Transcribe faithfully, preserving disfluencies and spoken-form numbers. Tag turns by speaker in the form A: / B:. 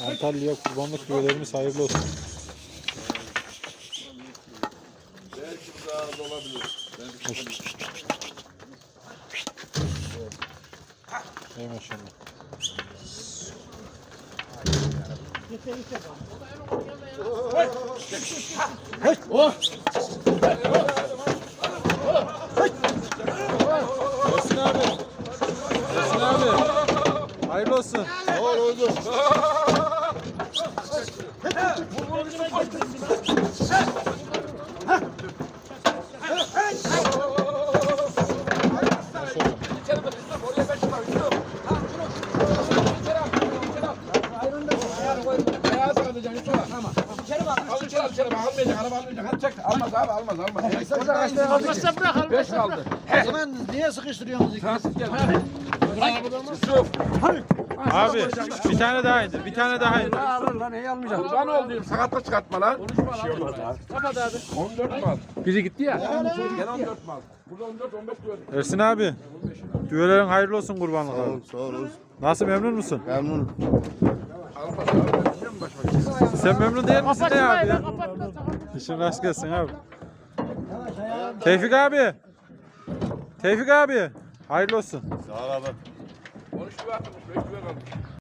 A: Antalya kurbanlık düvelerimiz hayırlı olsun.
B: Belki daha az olabilir.
A: Ey maşallah.
B: Oh!
A: Ersin abi. Ersin abi. Hayırlı olsun.
B: Sağ ol oldu. Almaz abi almaz almaz.
C: Almazsa bırak
B: Beş kaldı.
C: O zaman niye sıkıştırıyorsunuz?
B: Transit gel. Yusuf.
A: Abi bir tane daha indir. Bir tane daha indir.
C: Alır lan neyi almayacağım?
B: Kurban olayım sakatla çıkartma lan. Bir şey olmaz abi.
C: Kapat abi.
B: on dört mal.
C: Biri gitti ya.
B: Gel on dört mal. Burada on dört on beş gördüm.
A: Ersin abi. Düvelerin hayırlı olsun kurbanlık abi.
D: Sağ ol.
A: Nasıl, memnun musun?
D: Memnunum.
B: Almaz abi. Biliyor musun başıma?
A: Sen memnun değil misin ne abi ya?
C: Kapat lan.
A: İşin rast gelsin abi. Tevfik abi. Tevfik abi. Hayırlı olsun.
D: Sağ ol abi.
B: on üç lira atmış. beş lira kalmış.